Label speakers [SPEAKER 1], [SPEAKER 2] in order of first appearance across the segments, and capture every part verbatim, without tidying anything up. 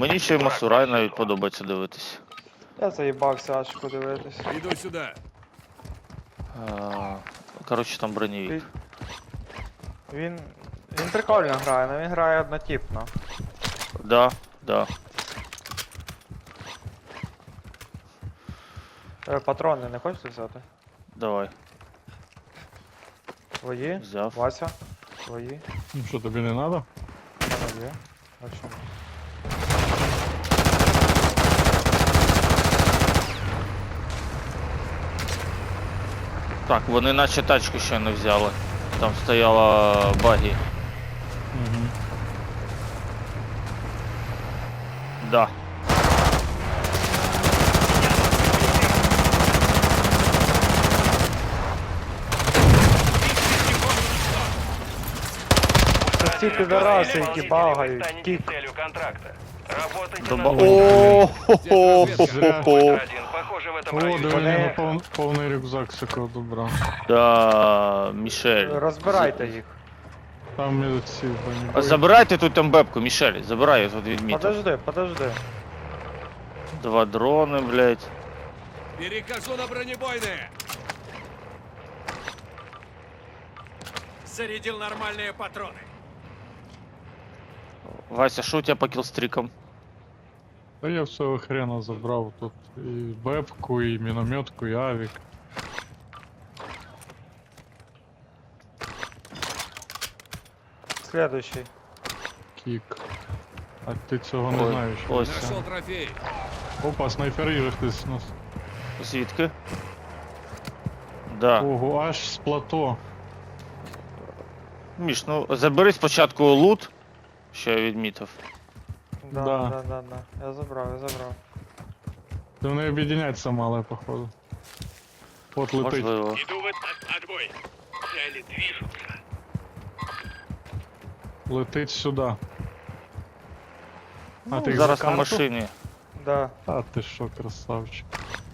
[SPEAKER 1] Мені ще й Масурай навіть подобається дивитись.
[SPEAKER 2] Я заїбався аж подивитись.
[SPEAKER 3] Иду сюда.
[SPEAKER 1] А, коротше, там бронєвік.
[SPEAKER 2] Він... Він... Він прикольно грає, але він грає однотипно.
[SPEAKER 1] Да, да.
[SPEAKER 2] Е, Патрони не хочете взяти?
[SPEAKER 1] Давай.
[SPEAKER 2] Твої?
[SPEAKER 1] Взяв.
[SPEAKER 2] Вася? Твої?
[SPEAKER 4] Ну що, тобі не треба?
[SPEAKER 2] У мене є. А чому?
[SPEAKER 1] Так, вони наче тачку ще не взяли. Там стояла багі.
[SPEAKER 4] Угу.
[SPEAKER 1] Да.
[SPEAKER 2] Це ці підараси, які багають.
[SPEAKER 5] Станете
[SPEAKER 2] Кік.
[SPEAKER 5] целью контракта. Работайте
[SPEAKER 1] Доба...
[SPEAKER 5] на...
[SPEAKER 1] О, хо хо хо
[SPEAKER 4] Зря.
[SPEAKER 1] хо
[SPEAKER 5] один. Похоже, в этом
[SPEAKER 4] О,
[SPEAKER 5] районе.
[SPEAKER 4] диви,
[SPEAKER 2] Вони-
[SPEAKER 4] не пов... повний рюкзак всякого добра.
[SPEAKER 1] Да, Мішель.
[SPEAKER 2] Розбирайте їх.
[SPEAKER 4] Там і ці
[SPEAKER 1] А
[SPEAKER 4] бронебої.
[SPEAKER 1] забирайте тут там бебку, Мішель, забирай, я тут відмітив.
[SPEAKER 2] Подожди, подожди.
[SPEAKER 1] Два дрони, блядь.
[SPEAKER 3] Перехожу на бронебойные.
[SPEAKER 6] Зарядил нормальные патроны.
[SPEAKER 1] Вася, що у тебе по кілстрікам?
[SPEAKER 4] Та я всього хрена забрав тут. І бепку, і мінометку, і авік.
[SPEAKER 2] Следующий.
[SPEAKER 4] Кік. А ти цього не
[SPEAKER 1] Ой,
[SPEAKER 4] знаєш.
[SPEAKER 1] ось.
[SPEAKER 3] Нашел трофей.
[SPEAKER 4] Опа, снайпери же хтось нас.
[SPEAKER 1] Звідки? Да.
[SPEAKER 4] Ого, аж з плато.
[SPEAKER 1] Міш, ну забери спочатку лут, що я відмітив.
[SPEAKER 2] Да,
[SPEAKER 4] Да.
[SPEAKER 2] да, да, да. Я забрав, я забрав.
[SPEAKER 4] Ти вони об'єдняться мали, походу. От летить.
[SPEAKER 1] Можливо.
[SPEAKER 5] Иду в этот отбой. Цели движутся.
[SPEAKER 4] Летить сюди. А
[SPEAKER 1] Ну,
[SPEAKER 4] ти їх
[SPEAKER 1] зараз
[SPEAKER 4] за
[SPEAKER 1] на
[SPEAKER 4] карту?
[SPEAKER 1] машині.
[SPEAKER 2] Да.
[SPEAKER 4] А ти що, красавчик.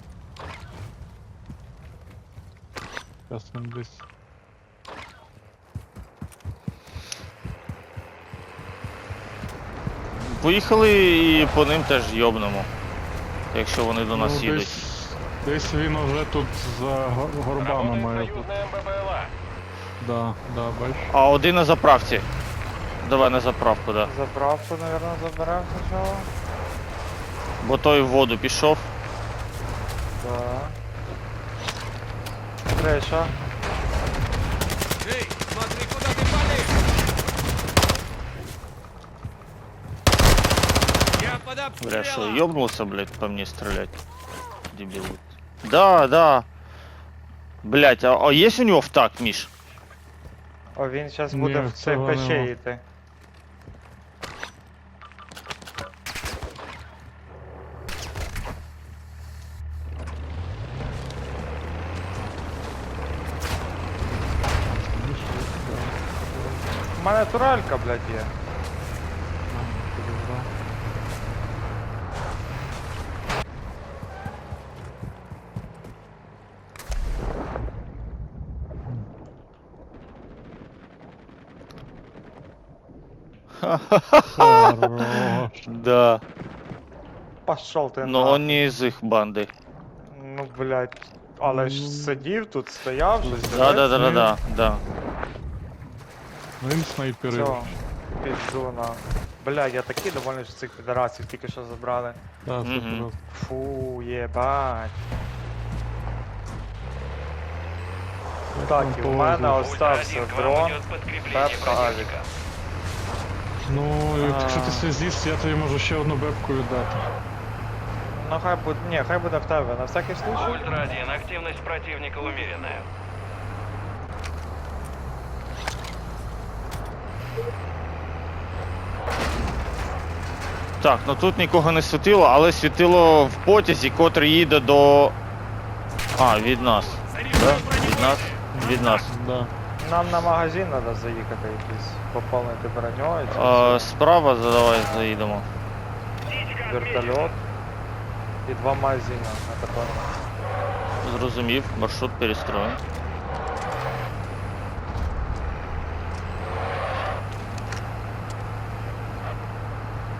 [SPEAKER 4] Зараз він десь.
[SPEAKER 1] Поїхали і по ним теж йобнемо. Якщо вони до нас
[SPEAKER 4] Ну,
[SPEAKER 1] їдуть.
[SPEAKER 4] десь, десь він уже тут за го- горбами
[SPEAKER 5] Работает
[SPEAKER 4] має бути.
[SPEAKER 5] союзная МББЛА.
[SPEAKER 4] Да, да, бач.
[SPEAKER 1] А один на заправці. Давай на заправку, да.
[SPEAKER 2] Заправку, наверное, заберемо спочатку.
[SPEAKER 1] Бо той в воду пішов.
[SPEAKER 2] Да. Криша.
[SPEAKER 3] Эй, смотри, куда ты палишь. Я под
[SPEAKER 1] Бля, що,
[SPEAKER 3] обстрелом.
[SPEAKER 1] йобнулся, блядь, по мне стрелять? Дебил. Да, да. Блять, а, а есть у него втак, Миш?
[SPEAKER 2] О, він зараз
[SPEAKER 4] Ні,
[SPEAKER 2] буде в цей
[SPEAKER 4] цього
[SPEAKER 2] пече
[SPEAKER 4] нема.
[SPEAKER 2] йти. У мене туралька, блядь, є.
[SPEAKER 4] Хорош.
[SPEAKER 1] Да.
[SPEAKER 2] Пошел ти
[SPEAKER 1] Но
[SPEAKER 2] нахуй.
[SPEAKER 1] он не из их банды.
[SPEAKER 2] Ну, блядь. Але ж сидів тут, стояв, щось
[SPEAKER 1] Да, да, да, да, да, да.
[SPEAKER 4] Він снайперив.
[SPEAKER 2] Все, пізду на. Бля, я такий довольний, що цих підарасів тільки що забрали.
[SPEAKER 4] Да, це
[SPEAKER 1] Мгм.
[SPEAKER 4] просто.
[SPEAKER 2] Фу, єбать. Так, і у мене
[SPEAKER 4] повезло.
[SPEAKER 2] остався
[SPEAKER 5] Ультра-один, к вам
[SPEAKER 2] дрон.
[SPEAKER 5] идет подкрепление
[SPEAKER 2] Пепка, авик.
[SPEAKER 5] противника.
[SPEAKER 4] Ну, якщо
[SPEAKER 2] А.
[SPEAKER 4] ти связіст, я тобі можу ще одну бебку віддати.
[SPEAKER 2] Ну хай буде. Ні, хай буде в тебе, на всякий случай.
[SPEAKER 5] Ультра-один, активность противника умеренная.
[SPEAKER 1] Так, ну тут нікого не світило, але світило в потязі, котрий їде до. А, від нас. Да? Від нас? Від нас.
[SPEAKER 4] Да.
[SPEAKER 2] Нам на магазин треба заїхати якийсь, поповнити броньою. чи
[SPEAKER 1] А, справа давай заїдемо.
[SPEAKER 2] Вертольот. І два магазина на такому.
[SPEAKER 1] Зрозумів, маршрут перестроєн.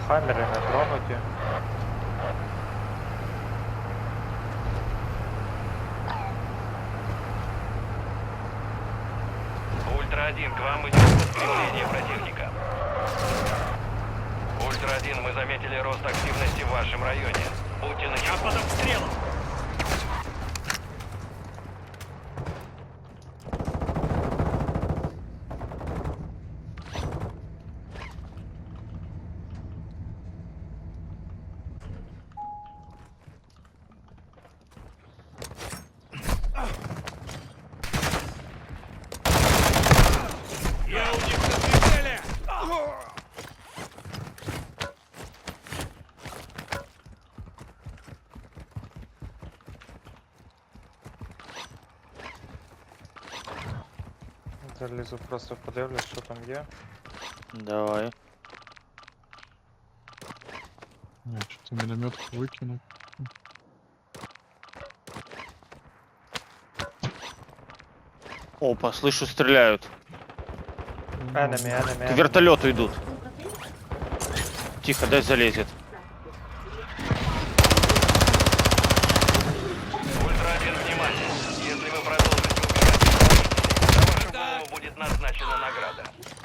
[SPEAKER 2] Хаммери не тронуті.
[SPEAKER 5] Ультра один, к вам идет подкрепление противника. Ультра один, мы заметили рост активности в вашем районе. Будьте начеку. Я под обстрелом.
[SPEAKER 3] Я у них на прицеле!
[SPEAKER 2] Залізу, просто подивлюсь, що там є.
[SPEAKER 1] Давай.
[SPEAKER 4] Я что-то минометку выкину.
[SPEAKER 1] Опа, слышу, стреляют.
[SPEAKER 2] Enemy, enemy,
[SPEAKER 1] К
[SPEAKER 2] enemy.
[SPEAKER 1] вертолету идут. Тихо, дай залезет.
[SPEAKER 5] Ультра один, внимание. Если вы продолжите убегать, за вашу голову будет назначена награда.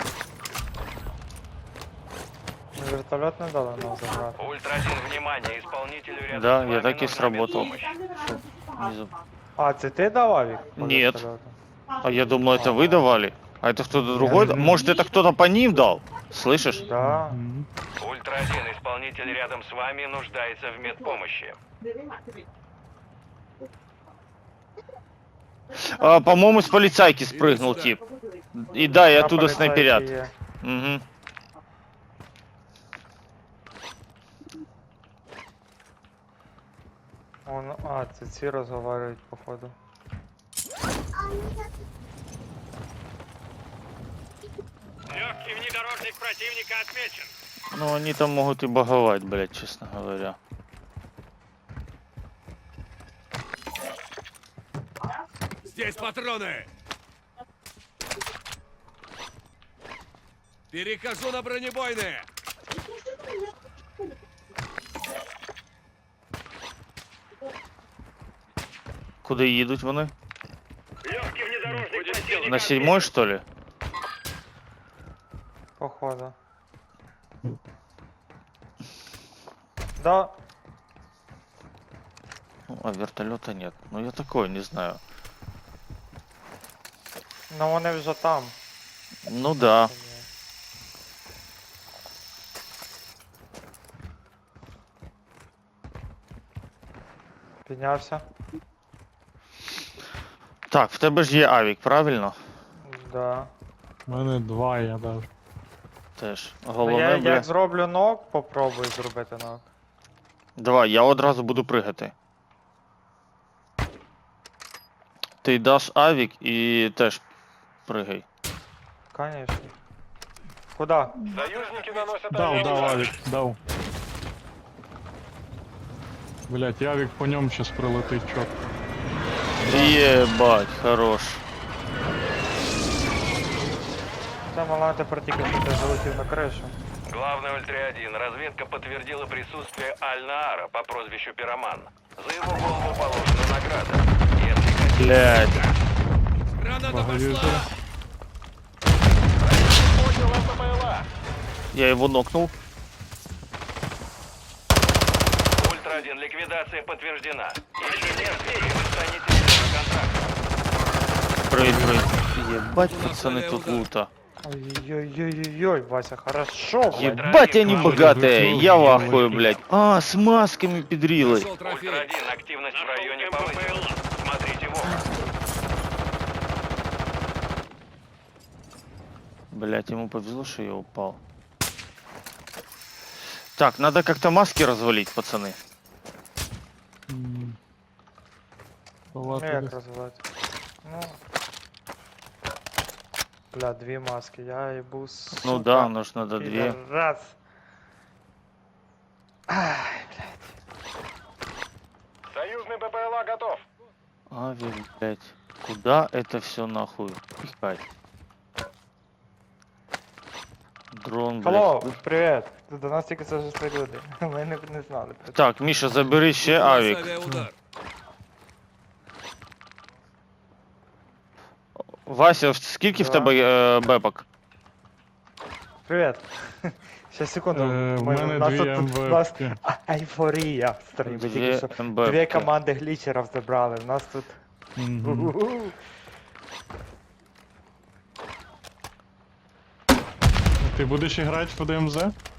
[SPEAKER 2] Вертольот не дали нам забрати.
[SPEAKER 5] Ультра один, внимание. Исполнителю рядом
[SPEAKER 1] Да,
[SPEAKER 5] с
[SPEAKER 1] я
[SPEAKER 5] вами
[SPEAKER 1] так и
[SPEAKER 5] нужна
[SPEAKER 1] сработал.
[SPEAKER 5] медпомощь.
[SPEAKER 1] Внизу.
[SPEAKER 2] А, це ти давав їх? по
[SPEAKER 1] Ні.
[SPEAKER 2] вертольоту?
[SPEAKER 1] А я думал, это вы давали. А это кто-то другой?
[SPEAKER 2] не-
[SPEAKER 1] Может, это кто-то по ним дал? Слышишь?
[SPEAKER 2] Да.
[SPEAKER 4] Мгм.
[SPEAKER 5] Ультра один, исполнитель рядом с вами нуждается в медпомощи.
[SPEAKER 1] А, по-моему, с полицайки спрыгнул
[SPEAKER 3] сюда.
[SPEAKER 1] тип. И да, и
[SPEAKER 2] На
[SPEAKER 1] оттуда
[SPEAKER 2] поліцайки
[SPEAKER 1] снайперят.
[SPEAKER 2] є.
[SPEAKER 1] Угу.
[SPEAKER 2] Он, а, це ці розговорюють, походу.
[SPEAKER 5] Легкий внедорожник противника отмечен.
[SPEAKER 1] Ну, они там могут и боговать, блядь, честно говоря.
[SPEAKER 3] Здесь патроны! Перехожу на бронебойные!
[SPEAKER 1] Куда едут вони?
[SPEAKER 5] Легкий внедорожник
[SPEAKER 3] Будет
[SPEAKER 5] противника
[SPEAKER 1] На седьмой, что ли?
[SPEAKER 2] Походу. Да,
[SPEAKER 1] Ну, а вертолета нет. Ну, я такое не знаю.
[SPEAKER 2] ну вони вже там.
[SPEAKER 1] Ну да.
[SPEAKER 2] Піднявся?
[SPEAKER 1] Так, в тебе ж є авік, правильно?
[SPEAKER 2] Да.
[SPEAKER 4] У мене два я даже.
[SPEAKER 1] Теж.
[SPEAKER 2] Ну,
[SPEAKER 1] Головне,
[SPEAKER 2] я
[SPEAKER 1] бля.
[SPEAKER 2] як зроблю нок, попробую зробити нок.
[SPEAKER 1] Давай, я одразу буду пригати. Ти даш авік і теж пригай.
[SPEAKER 2] Конечно. Куда?
[SPEAKER 5] Союзники наносят
[SPEAKER 4] Дал, дал,
[SPEAKER 5] удар.
[SPEAKER 4] авик, дал. Блять, авик по нем сейчас пролетить чётко.
[SPEAKER 1] Єбать, хорош.
[SPEAKER 2] Це мала тепер тільки що ти залетів на кришу.
[SPEAKER 5] Главный Ультра один. Разведка подтвердила присутствие Аль-Наара по прозвищу Пироман. За его голову положена награда. Если хотите...
[SPEAKER 1] Блядь.
[SPEAKER 3] Граната
[SPEAKER 4] Благодарю.
[SPEAKER 3] пошла!
[SPEAKER 5] Поднял ЛППЛА.
[SPEAKER 1] Я его нокнул.
[SPEAKER 5] Ультра один. Ликвидация подтверждена. Еще несколько, и вы станете членом контракта.
[SPEAKER 1] Прыг, прыг. Ебать,
[SPEAKER 3] У нас
[SPEAKER 1] пацаны,
[SPEAKER 3] аллея
[SPEAKER 1] тут
[SPEAKER 3] удар.
[SPEAKER 1] лута.
[SPEAKER 2] Ой-ой-ой-ой-ой, Вася, хорошо, блядь.
[SPEAKER 1] Ебать, они
[SPEAKER 4] Ультра
[SPEAKER 1] богатые.
[SPEAKER 4] один.
[SPEAKER 1] Я в ахуе, блядь. А, с масками педрилой.
[SPEAKER 3] Нашел
[SPEAKER 5] Ультра
[SPEAKER 3] трофей!
[SPEAKER 5] один. Активность в районе повысилась. Смотрите в оба.
[SPEAKER 1] Блять, ему повезло, что я упал. Так, надо как-то маски развалить, пацаны.
[SPEAKER 4] М.
[SPEAKER 2] Ну
[SPEAKER 4] Палата
[SPEAKER 2] як
[SPEAKER 4] десь.
[SPEAKER 2] розвивати? Ну. Бля, дві маски, я їбу, сука.
[SPEAKER 1] Ну да, но ж надо две.
[SPEAKER 2] Раз.
[SPEAKER 5] Союзный ППЛА готов.
[SPEAKER 1] Авик, блять. Куда это все нахуй пихать? Дрон, блядь.
[SPEAKER 2] Алло, привет. До нас тільки це вже люди. Ми не, не знали. про це.
[SPEAKER 1] Так, Міша, забери ще авік.
[SPEAKER 3] Авиаудар.
[SPEAKER 1] Вася, скільки в
[SPEAKER 2] Да.
[SPEAKER 1] тебе е, бепок?
[SPEAKER 2] Привіт. Ще секунду.
[SPEAKER 4] Е, в
[SPEAKER 2] Ми-
[SPEAKER 4] мене
[SPEAKER 2] у нас
[SPEAKER 4] дві
[SPEAKER 2] тут- у нас
[SPEAKER 4] МВП.
[SPEAKER 2] а- Ейфорія в стороні. Ми тільки
[SPEAKER 1] Дві
[SPEAKER 2] що
[SPEAKER 1] МБП.
[SPEAKER 2] дві команди глічерів забрали. У нас тут.
[SPEAKER 4] Мгм.
[SPEAKER 2] У-у-у.
[SPEAKER 4] Ти будеш грати в ДМЗ?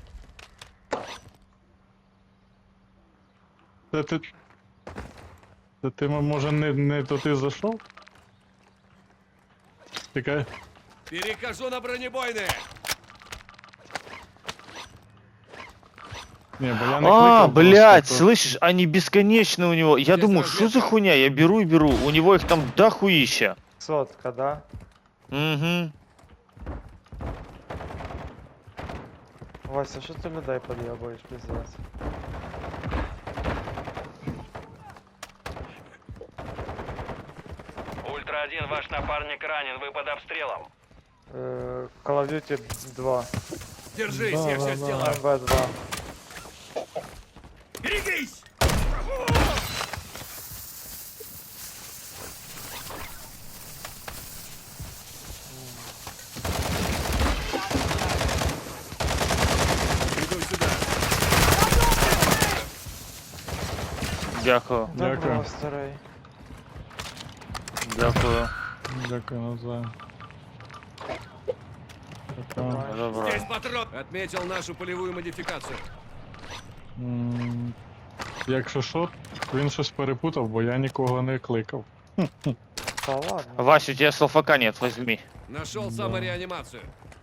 [SPEAKER 4] Це ти. Це ти, може, не, не туди зайшов? Тікай.
[SPEAKER 3] Перехожу на бронебойные.
[SPEAKER 4] Не, бо я не
[SPEAKER 1] А,
[SPEAKER 4] кликав
[SPEAKER 1] блядь,
[SPEAKER 4] просто,
[SPEAKER 1] слышишь, они бесконечны у него. Я
[SPEAKER 3] Здесь
[SPEAKER 1] думаю,
[SPEAKER 3] разведка.
[SPEAKER 1] что за хуйня? Я беру и беру. У него их там дохуища.
[SPEAKER 2] Сотка, да?
[SPEAKER 1] Угу.
[SPEAKER 2] Вася, що ти людей під'єбуєш, пиздець?
[SPEAKER 5] Ультра один, ваш напарник ранен, вы под обстрелом.
[SPEAKER 2] Е, Call of Duty два.
[SPEAKER 3] Держись,
[SPEAKER 4] Да,
[SPEAKER 3] я
[SPEAKER 4] да,
[SPEAKER 3] все
[SPEAKER 4] да.
[SPEAKER 3] сделаю.
[SPEAKER 2] ем бе два.
[SPEAKER 3] Берегись! Иду сюда.
[SPEAKER 1] Дякую,
[SPEAKER 4] Дякую.
[SPEAKER 2] Доброго, старий.
[SPEAKER 1] дякую.
[SPEAKER 4] Дякую, навзаєм. Дякую.
[SPEAKER 1] Добро.
[SPEAKER 3] Здесь патрон. Отметил нашу полевую модификацию.
[SPEAKER 4] М, Якщо що, він щось перепутав, бо я нікого не кликав.
[SPEAKER 2] Та ладно.
[SPEAKER 1] Вася, у тебя салфака нет, возьми.
[SPEAKER 3] Нашел
[SPEAKER 4] Да.
[SPEAKER 3] самореанимацию.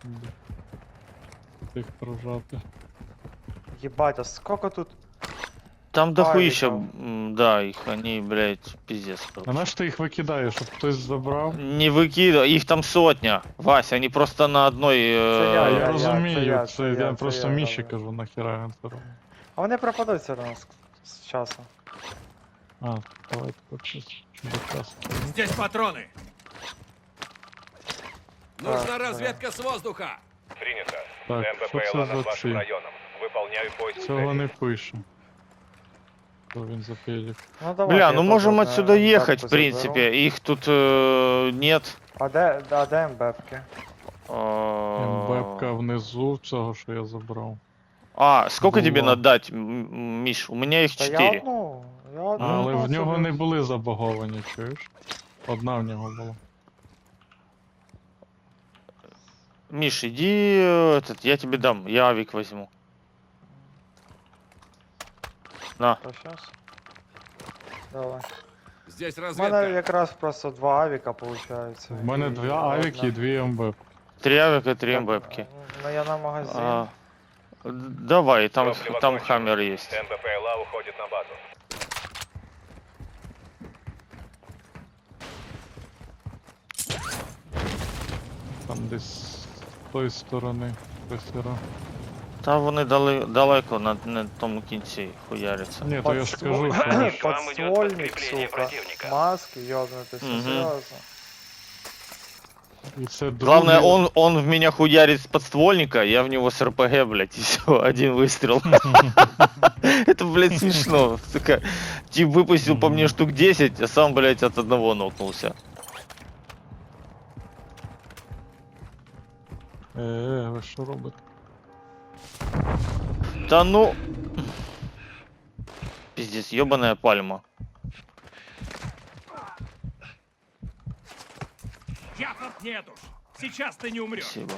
[SPEAKER 4] Тих прожати.
[SPEAKER 2] Єбать, а сколько тут?
[SPEAKER 1] Там дохуища,
[SPEAKER 2] Авиков.
[SPEAKER 1] м, да, их они, блядь, пиздец.
[SPEAKER 4] А
[SPEAKER 1] короче.
[SPEAKER 4] на що ти їх викидаєш, щоб хтось забрав?
[SPEAKER 1] Не выкидывай, их там сотня. Вася, они просто на одной...
[SPEAKER 2] Це
[SPEAKER 1] э,
[SPEAKER 2] я,
[SPEAKER 4] А,
[SPEAKER 2] я,
[SPEAKER 4] я розумію,
[SPEAKER 2] це я,
[SPEAKER 4] це,
[SPEAKER 2] це
[SPEAKER 4] я,
[SPEAKER 2] я, це
[SPEAKER 4] просто
[SPEAKER 2] я,
[SPEAKER 4] Міші
[SPEAKER 2] добре.
[SPEAKER 4] кажу, нахіра він це робить.
[SPEAKER 2] А вони пропадуть все одно з, з часом.
[SPEAKER 4] А, давайте почись. Чудо-кас.
[SPEAKER 3] Здесь патроны. Нужна
[SPEAKER 2] Так,
[SPEAKER 3] разведка с воздуха.
[SPEAKER 5] Принято.
[SPEAKER 4] Так, що це за ці?
[SPEAKER 5] Выполняю поиск
[SPEAKER 4] Цього не пише. Що він за пелік?
[SPEAKER 2] Ну давай.
[SPEAKER 1] Бля, ну можем отсюда ехать, в принципе. Их тут э, нет.
[SPEAKER 2] А де, а де МБПки?
[SPEAKER 1] А,
[SPEAKER 4] МБПка внизу цього, що я забрав.
[SPEAKER 1] А, сколько тебе
[SPEAKER 4] Була.
[SPEAKER 1] надо дать, М- М- Миш? У меня их
[SPEAKER 2] Та я
[SPEAKER 1] четыре.
[SPEAKER 2] одну. Я одну.
[SPEAKER 4] Але в нього
[SPEAKER 2] собі.
[SPEAKER 4] не були забаговані, чуєш? Одна в нього була.
[SPEAKER 1] Миш, иди, э, этот, я тебе дам, я авик возьму. На.
[SPEAKER 2] Та щас. Давай.
[SPEAKER 3] Здесь
[SPEAKER 2] У мене
[SPEAKER 3] разведка.
[SPEAKER 2] якраз просто два авіка виходить.
[SPEAKER 4] В мене дві авіки і дві МБ.
[SPEAKER 1] Три авика, три МБПки.
[SPEAKER 2] Ну я на магазин.
[SPEAKER 1] А, д- давай, там,
[SPEAKER 5] Топливо
[SPEAKER 1] там
[SPEAKER 5] кончено.
[SPEAKER 1] хаммер есть.
[SPEAKER 5] НБПЛА уходит на базу.
[SPEAKER 4] Там десь з тої сторони. Просіра.
[SPEAKER 1] Там вони дали, далеко на, на тому кінці хуяряться.
[SPEAKER 4] Ні, то я ж
[SPEAKER 2] Подствол-
[SPEAKER 4] скажу, що
[SPEAKER 5] К вам идет
[SPEAKER 2] Подствольник,
[SPEAKER 5] подкрепление
[SPEAKER 2] сука.
[SPEAKER 5] противника.
[SPEAKER 2] Маски, ёбнутый, все
[SPEAKER 1] Мгм.
[SPEAKER 2] серьезно.
[SPEAKER 4] і це
[SPEAKER 1] Главное,
[SPEAKER 4] другий-
[SPEAKER 1] он, он в меня хуярит с подствольника, я в него с РПГ, блядь, и все, один выстрел. Это, блядь, смешно. Сука. Тип выпустил по мне штук десять, а сам, блядь, от одного нокнулся.
[SPEAKER 4] Е, е, ви що робите?
[SPEAKER 1] Да ну... Пиздец, ебаная пальма.
[SPEAKER 3] Я тут нету. Сейчас ты не умрешь.
[SPEAKER 1] Спасибо.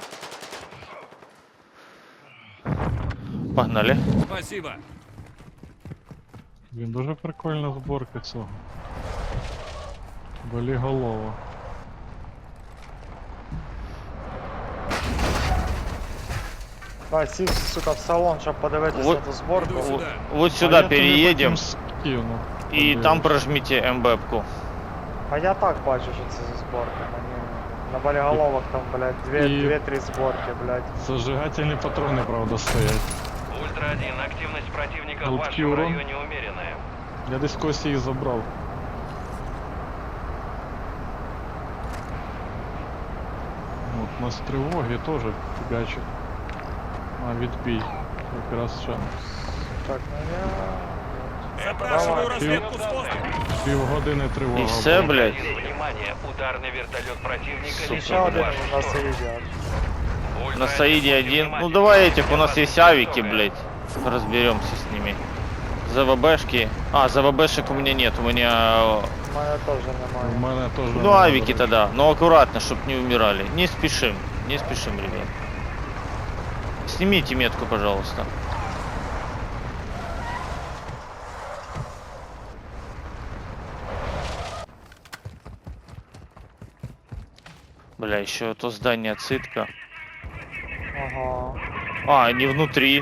[SPEAKER 1] Погнали.
[SPEAKER 3] Спасибо.
[SPEAKER 4] Він дуже прикольна зборка цього. Боліголова.
[SPEAKER 2] Давай, сів, сука, в салон, щоб подивитися
[SPEAKER 1] Вот-
[SPEAKER 2] на ту зборку.
[SPEAKER 3] Иду сюда.
[SPEAKER 1] Вот
[SPEAKER 4] А
[SPEAKER 1] сюда
[SPEAKER 4] я тобі
[SPEAKER 1] переедем,
[SPEAKER 4] потім скину.
[SPEAKER 1] и
[SPEAKER 4] Подивись.
[SPEAKER 1] там прожмите МБПку.
[SPEAKER 2] А я так бачу, що це за зборка. Мені на боліголовах там, блядь,
[SPEAKER 4] І-
[SPEAKER 2] дві-три зборки, блядь.
[SPEAKER 4] Зажигательні патрони, правда, стоять.
[SPEAKER 5] Ультра один, активность противника в
[SPEAKER 4] Жуткий
[SPEAKER 5] вашем
[SPEAKER 4] урон.
[SPEAKER 5] районе умеренная.
[SPEAKER 4] Я десь когось їх забрав. От, у нас тривоги теж фігачать. А, відбій. Якраз ще
[SPEAKER 2] Так, ну я...
[SPEAKER 3] Запрашиваю
[SPEAKER 2] Давай.
[SPEAKER 3] разведку с воздуха.
[SPEAKER 4] півгодини тривога.
[SPEAKER 1] И все,
[SPEAKER 4] була.
[SPEAKER 1] блядь.
[SPEAKER 5] Внимание, ударный вертолет противника
[SPEAKER 2] Ще один
[SPEAKER 5] ваш
[SPEAKER 2] у нас
[SPEAKER 5] сторону.
[SPEAKER 2] їздять.
[SPEAKER 5] Ультра
[SPEAKER 1] На Саиде
[SPEAKER 5] один,
[SPEAKER 1] один. Ну
[SPEAKER 5] внимание,
[SPEAKER 1] давай этих, у
[SPEAKER 5] для
[SPEAKER 1] нас
[SPEAKER 5] вас
[SPEAKER 1] есть авики,
[SPEAKER 5] готовы.
[SPEAKER 1] блядь. Разберемся с ними. ЗВБшки. А, ЗВБшек у меня нет, у меня...
[SPEAKER 2] У мене теж
[SPEAKER 4] У
[SPEAKER 2] немає.
[SPEAKER 4] мене теж.
[SPEAKER 1] Ну
[SPEAKER 4] немає,
[SPEAKER 1] авики
[SPEAKER 4] до речі.
[SPEAKER 1] тогда, но аккуратно, чтоб не умирали. Не спешим, не спешим, ребят. Снимите метку, пожалуйста. Бля, еще то здание цитка.
[SPEAKER 2] Ага.
[SPEAKER 1] А, они внутри.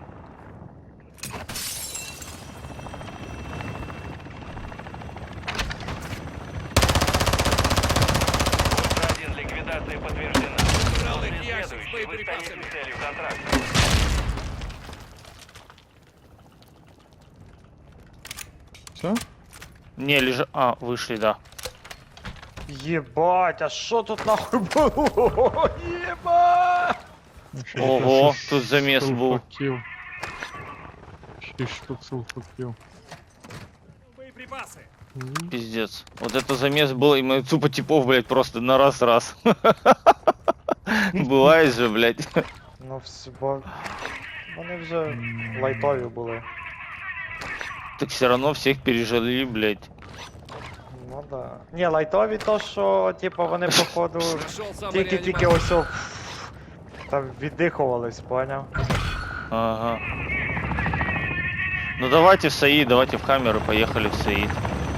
[SPEAKER 5] Ультра один, ликвидация подтверждена.
[SPEAKER 3] Убрал их
[SPEAKER 5] Следующий,
[SPEAKER 3] ящик с
[SPEAKER 5] вы
[SPEAKER 3] боеприпасами.
[SPEAKER 5] станете целью контракта.
[SPEAKER 4] Все?
[SPEAKER 1] Не, лежа... А, вышли, да.
[SPEAKER 2] Єбать, а що тут нахуй було? Єбать!
[SPEAKER 1] Ого, тут замес был.
[SPEAKER 4] Сулфаків. Шість штук сулфаків.
[SPEAKER 3] Боеприпасы.
[SPEAKER 1] Пиздец. Вот это замес был, и мы тупо типов, блядь, просто на раз-раз. Бывает же, блядь.
[SPEAKER 2] Ну все, бо... Вони вже лайтові були.
[SPEAKER 1] Так все равно всех пережили, блядь.
[SPEAKER 2] Ну да. Ні, лайтові то, що, типу, вони походу
[SPEAKER 3] Нашел самый
[SPEAKER 2] тільки-тільки ось о, там віддихувались, поняв?
[SPEAKER 1] Ага. Ну давайте в Саид, давайте в камеру, поехали в Саид.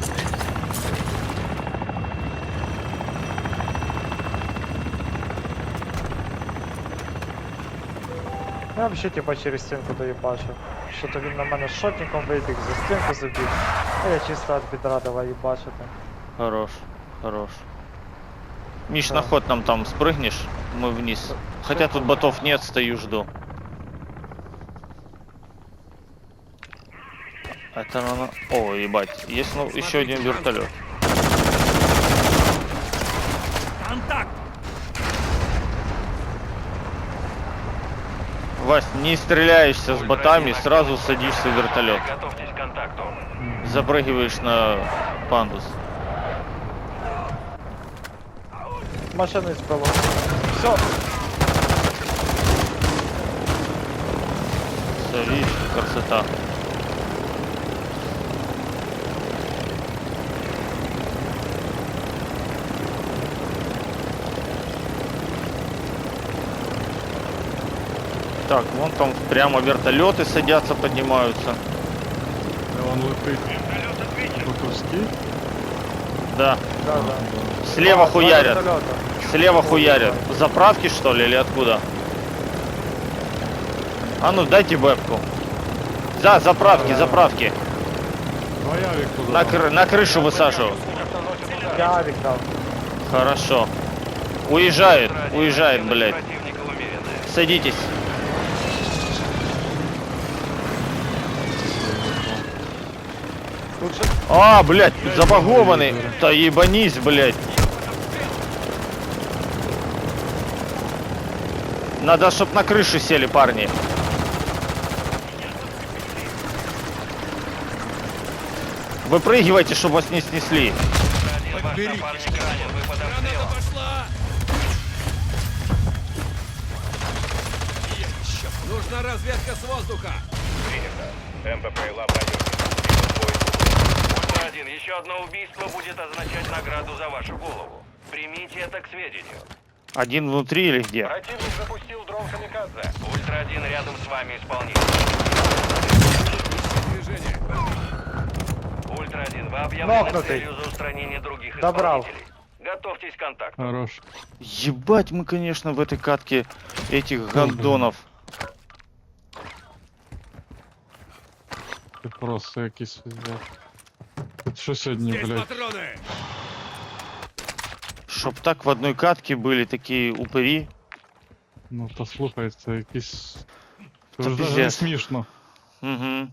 [SPEAKER 2] Я взагалі типа через стінку доїбачив. Що то він на мене шотником вибіг, за стінку забіг. А я чисто від бідра давай їбачити.
[SPEAKER 1] Хорош, хорош. Миш,
[SPEAKER 2] Да.
[SPEAKER 1] на ход нам там спрыгнешь, мы вниз. Хотя тут ботов нет, стою, жду. Это она... О, ебать, есть ну, еще один вертолет.
[SPEAKER 3] Контакт.
[SPEAKER 1] Вась, не стреляешься с ботами, сразу садишься в вертолет.
[SPEAKER 5] Готовьтесь к контакту.
[SPEAKER 1] Запрыгиваешь на пандус.
[SPEAKER 2] Машину збило. Все,
[SPEAKER 1] Всё, видишь, красота. Так, вон там прямо вертолеты садятся, поднимаются.
[SPEAKER 4] Де він летить? Ботовський?
[SPEAKER 1] Да,
[SPEAKER 2] да, да.
[SPEAKER 1] слева
[SPEAKER 2] А, два
[SPEAKER 1] хуярят.
[SPEAKER 2] вертольота.
[SPEAKER 1] Слева хуярят. Заправки что ли или откуда? А ну дайте бэбку. Да, заправки, заправки.
[SPEAKER 4] Ну а я вік туди.
[SPEAKER 1] На, кры- на крышу высаживаю.
[SPEAKER 2] Я авік дав.
[SPEAKER 1] Хорошо. Уезжает,
[SPEAKER 5] Ультра один,
[SPEAKER 1] уезжает,
[SPEAKER 5] активность
[SPEAKER 1] блядь.
[SPEAKER 5] противника умеренная.
[SPEAKER 1] Садитесь.
[SPEAKER 2] Тут же
[SPEAKER 1] А, блядь, забагованный. Да ебанись, блядь. Надо, чтоб на крыше сели, парни. Выпрыгивайте, чтобы вас не снесли.
[SPEAKER 5] Ультра один, ваш напарник ранен, вы под
[SPEAKER 3] Граната
[SPEAKER 5] обстрелом.
[SPEAKER 3] пошла. Еще. Нужна разведка с воздуха.
[SPEAKER 5] Ультра один, еще одно убийство будет означать награду за вашу голову. Примите это к сведению.
[SPEAKER 1] Один внутри или где?
[SPEAKER 5] Противник запустил дрон камикадзе. Ультра один рядом с вами исполнитель.
[SPEAKER 3] Движение.
[SPEAKER 5] Ультра один, вы объявлены
[SPEAKER 2] Нокнутый.
[SPEAKER 5] целью за устранение других
[SPEAKER 2] Добрал.
[SPEAKER 5] исполнителей. Готовьтесь к контакту.
[SPEAKER 4] Хорош.
[SPEAKER 1] Ебать, мы, конечно, в этой катке этих гандонов.
[SPEAKER 4] Ти просто якийсь пиздец. Тут що сьогодні,
[SPEAKER 3] Здесь
[SPEAKER 4] блядь?
[SPEAKER 3] патроны.
[SPEAKER 1] Чтоб так в одной катке были такие упыри.
[SPEAKER 4] Ну то слухай, це якийсь. Це
[SPEAKER 1] Та
[SPEAKER 4] вже навіть не
[SPEAKER 1] пиздец.
[SPEAKER 4] смішно.
[SPEAKER 1] Угу.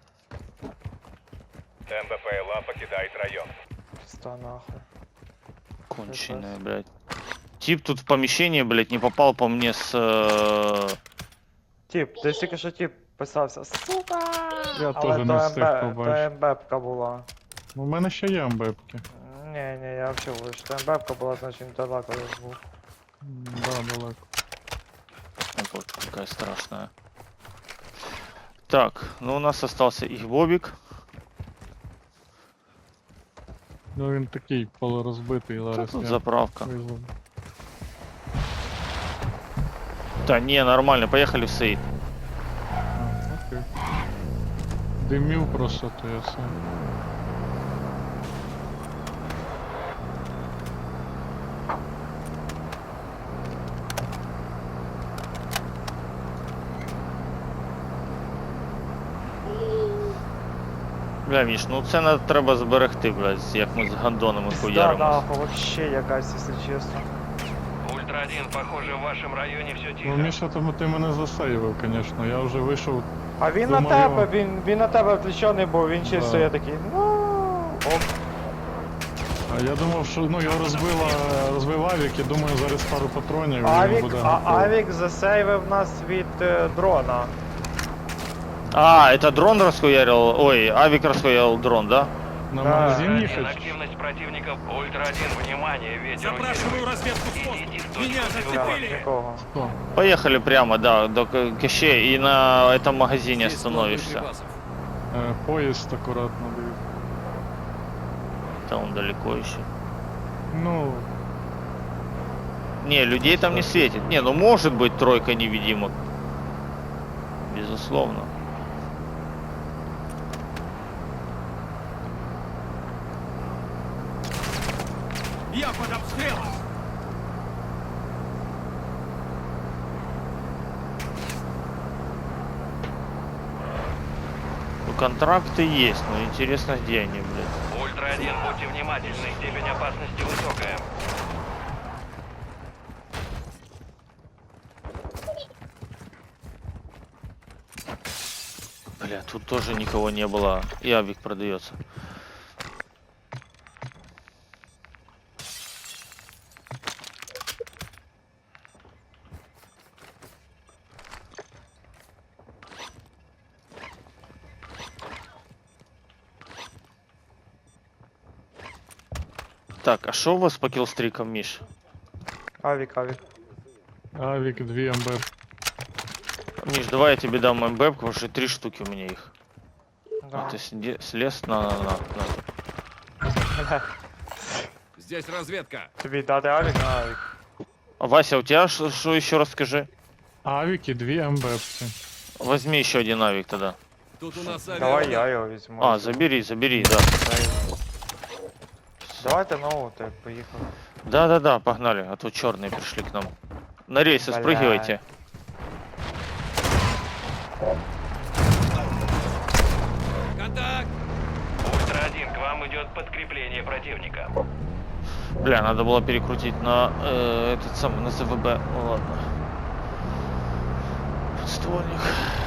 [SPEAKER 5] МБПЛА покидает район.
[SPEAKER 2] Пізда нахуй.
[SPEAKER 1] Конченая, блядь. Тип тут в помещение, блядь, не попал по мне с... э,
[SPEAKER 2] Тип, десь тільки що тип Писався, сука!
[SPEAKER 4] Я
[SPEAKER 2] Але
[SPEAKER 4] теж
[SPEAKER 2] то
[SPEAKER 4] не встиг
[SPEAKER 2] МБ, то
[SPEAKER 4] побачити.
[SPEAKER 2] МБ-ка була.
[SPEAKER 4] Ну, у мене ще є амбепки.
[SPEAKER 2] Ні, ні, я взагалі вийшов. То МБ-ка була, значить далеко я був.
[SPEAKER 4] М, Да, далеко.
[SPEAKER 1] Вот какая страшная. Так, ну у нас остался их Бобик.
[SPEAKER 4] Ну він такий полурозбитий,
[SPEAKER 1] Да
[SPEAKER 4] зараз
[SPEAKER 1] тут
[SPEAKER 4] я
[SPEAKER 1] заправка.
[SPEAKER 4] визву.
[SPEAKER 1] Да не, нормально, поехали в Сейд.
[SPEAKER 4] А, окей. Димів просто, то я сам.
[SPEAKER 1] Бля, Міш, ну це не треба зберегти, блядь, як ми з гандонами
[SPEAKER 2] Да,
[SPEAKER 1] хуяримо.
[SPEAKER 2] нахуй, вообще якась, якщо чесно.
[SPEAKER 5] Ультра один, похоже, в вашем районе все
[SPEAKER 4] Ну,
[SPEAKER 5] тихо.
[SPEAKER 4] Міша, тому ти мене засейвив, звісно. Я вже вийшов.
[SPEAKER 2] А він на
[SPEAKER 4] Думаю-
[SPEAKER 2] тебе, він, він на тебе включений був, він чисто
[SPEAKER 4] Да.
[SPEAKER 2] я такий, ну ок.
[SPEAKER 4] А я думав, що ну його розбила, розбив авік, і думаю, зараз пару патронів і він
[SPEAKER 2] Авік,
[SPEAKER 4] буде
[SPEAKER 2] а,
[SPEAKER 4] готовий.
[SPEAKER 2] Авік засейвив нас від е, дрона.
[SPEAKER 1] А, это дрон расхуярил? Ой, авик расхуярил дрон, да?
[SPEAKER 4] На
[SPEAKER 2] Да.
[SPEAKER 4] магазин
[SPEAKER 5] Ультра один,
[SPEAKER 4] їхати?
[SPEAKER 5] активность противников. Ультра один, внимание, ветер
[SPEAKER 3] Запрашиваю
[SPEAKER 5] усиливается.
[SPEAKER 3] разведку с воздуха.
[SPEAKER 5] Идите в
[SPEAKER 3] Меня
[SPEAKER 5] точку
[SPEAKER 2] Да,
[SPEAKER 3] зацепили.
[SPEAKER 2] нікого.
[SPEAKER 4] Хто?
[SPEAKER 1] Поехали прямо, да, до К- Кащея и на этом магазине остановишься.
[SPEAKER 4] Е, поїзд акуратно дивись.
[SPEAKER 1] Там он далеко еще.
[SPEAKER 4] Ну,
[SPEAKER 1] Не, людей там не светит. Не, ну может быть тройка невидимок. Безусловно.
[SPEAKER 3] Я под обстрелом.
[SPEAKER 1] Ну, контракты есть, но интересно, где они, блядь.
[SPEAKER 5] Ультра один, будьте внимательны, степень опасности высокая.
[SPEAKER 1] Бля, тут тоже никого не было. И авик продается. Так, а что у вас по киллстрикам, Миш?
[SPEAKER 2] Авік, Авік.
[SPEAKER 4] авік, дві МБ.
[SPEAKER 1] Миш, давай я тебе дам МБ, потому что три штуки у меня их.
[SPEAKER 2] Да.
[SPEAKER 1] А ты сиди- слез на, на, на, на.
[SPEAKER 3] Здесь разведка.
[SPEAKER 2] Тобі дати Авік на Авік.
[SPEAKER 1] А, Вася, у тебя что, что еще раз скажи?
[SPEAKER 4] Авік і дві МБ-ці.
[SPEAKER 1] Возьми еще один авик тогда.
[SPEAKER 3] Тут у нас
[SPEAKER 2] Давай
[SPEAKER 3] авиаудар.
[SPEAKER 2] я його візьму.
[SPEAKER 1] А, забери, забери, да.
[SPEAKER 2] Давайте нову, ти поїхали.
[SPEAKER 1] Да-да-да, погнали, а то черные пришли к нам. На рейсы
[SPEAKER 2] Бля.
[SPEAKER 1] спрыгивайте.
[SPEAKER 3] Контакт.
[SPEAKER 5] Ультра один, к вам идет подкрепление противника.
[SPEAKER 1] Бля, надо было перекрутить на э, этот самый, на ЗВБ. Ну ладно. Подствольник.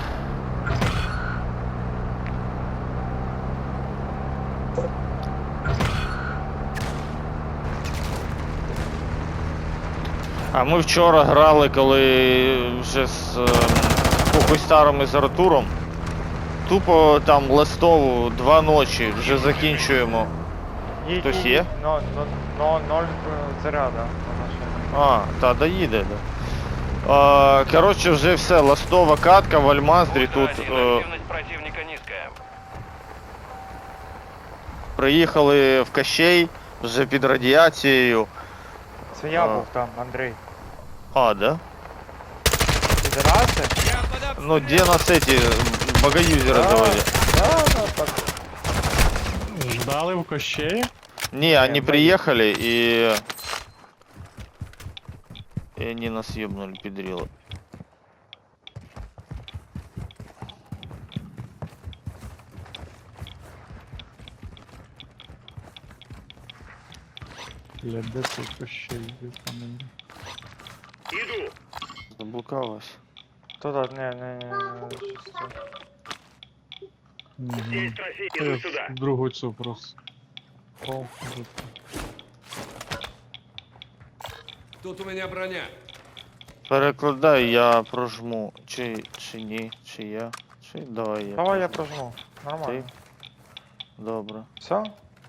[SPEAKER 1] А ми вчора грали, коли вже з е, Пухой Старом і з Артуром. Тупо там ластову два ночі вже закінчуємо.
[SPEAKER 2] Їдь,
[SPEAKER 1] Хтось
[SPEAKER 2] їдь,
[SPEAKER 1] є?
[SPEAKER 2] Но, но, но, ноль е, заряда на машині.
[SPEAKER 1] А, та доїде, да. А, коротше, вже все, ластова катка в Альмаздрі
[SPEAKER 5] Ультра
[SPEAKER 1] тут.
[SPEAKER 5] один,
[SPEAKER 1] Е,
[SPEAKER 5] активность противника низкая.
[SPEAKER 1] приїхали в Кащей, вже під радіацією.
[SPEAKER 2] Це я
[SPEAKER 1] А.
[SPEAKER 2] був там, Андрій.
[SPEAKER 1] А, да?
[SPEAKER 2] Підраси?
[SPEAKER 3] Я под обстрелом.
[SPEAKER 1] Ну, где нас эти богоюзеры
[SPEAKER 2] Да.
[SPEAKER 1] заводят?
[SPEAKER 2] Да, да, так.
[SPEAKER 4] Ждали в Кощеї?
[SPEAKER 1] Не, они
[SPEAKER 2] мы-
[SPEAKER 1] приехали и... И они нас ебнули, педрилы.
[SPEAKER 4] Бля, де цей Кощей? Де там він?
[SPEAKER 1] Заблукалась.
[SPEAKER 2] Туди, не, не, не, не, щось це.
[SPEAKER 4] Мгм. Та я в другу цю просто. О, тут.
[SPEAKER 3] Тут у меня броня.
[SPEAKER 1] Перекладай, я прожму. Чи, чи ні, чи я, Чи- Давай я.
[SPEAKER 2] Давай я
[SPEAKER 1] прожму.
[SPEAKER 2] прожму. Нормально.
[SPEAKER 1] Добре.
[SPEAKER 2] Все?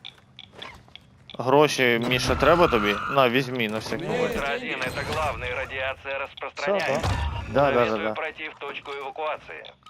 [SPEAKER 1] Гроші, Міша, треба тобі? На, візьми на всякий
[SPEAKER 3] Ні.
[SPEAKER 1] випадок.
[SPEAKER 5] Ультра один, это главный, радиация
[SPEAKER 2] Все,
[SPEAKER 5] распространяется.
[SPEAKER 2] да?
[SPEAKER 1] Да, да, да,
[SPEAKER 5] Советую
[SPEAKER 1] да.
[SPEAKER 5] пройти в точку эвакуации.